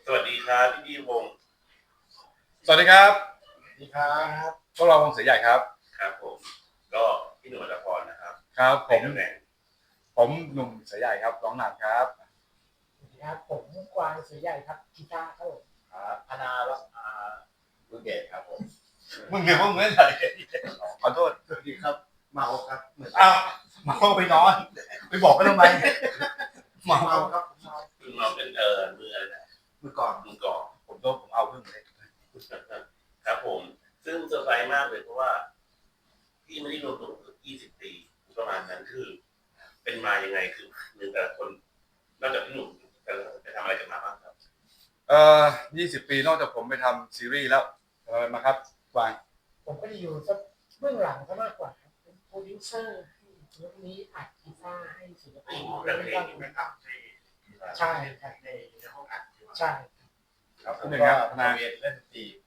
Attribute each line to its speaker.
Speaker 1: สวัสดีครับพี่วงศ์
Speaker 2: สวัสดีครับ
Speaker 3: สวัสดีครับ
Speaker 2: พวกเราวงเสือใหญ่ครับ
Speaker 1: ครับผมก็พี่หนุ่มอัตพรนะครับ
Speaker 2: ครับผ
Speaker 1: ใน
Speaker 2: ม
Speaker 1: ตำแหน่ง
Speaker 2: ผมหนุ่มเสือใหญ่ครับร้องนำครับ
Speaker 3: สวัสดีครับผมกวางเสือใหญ่ครับกีตาร์ครับผม
Speaker 4: ครับพนาวัฒนาลูกเกดครับผม
Speaker 2: มึงเรียกว่ามึงอะไรขอโทษ
Speaker 4: สวัสดีครับเมาครับเหมือน
Speaker 2: อ้าวมาเข้าไปนอนไปบอกกันทำไม
Speaker 4: เมาครับผมเมา
Speaker 1: คือเราเป็นมืออะไรนะ
Speaker 4: เมื่อก่อน
Speaker 1: มือก่อน
Speaker 2: ผมเอาเพิ่งเลย
Speaker 1: ครับผมซึ่งเซอร์ไพรส์มากเลยเพราะว่าพี่ไม่ได้รวมตัวเกือบ20 ปีประมาณนั้นคือ เป็นมายังไงคือหนึ่งแต่ละคนนอกจากพี่หนุ่มไปทำอะไรกันมาบ้างครับ
Speaker 2: 20 ปีนอกจากผมไปทำซีรีส์แล้วอะไรมาครับกวาง
Speaker 3: ผมก็จะอยู่สักเบื้องหลังซะมากกว่าครับเป็นโปรดิวเซอร์ให้ยกนี้อัดกีตาร์ให้ศิลปิน
Speaker 1: แต่เพลง
Speaker 4: ไม่กลับให้
Speaker 3: ใช่ครับ
Speaker 4: ในห้องอัดที่ว่า
Speaker 3: ใช่
Speaker 4: ครับผม
Speaker 2: หนึ่ง
Speaker 4: ก็
Speaker 2: ครับพ
Speaker 4: นา
Speaker 2: นา
Speaker 4: เวทเล่นดนตรี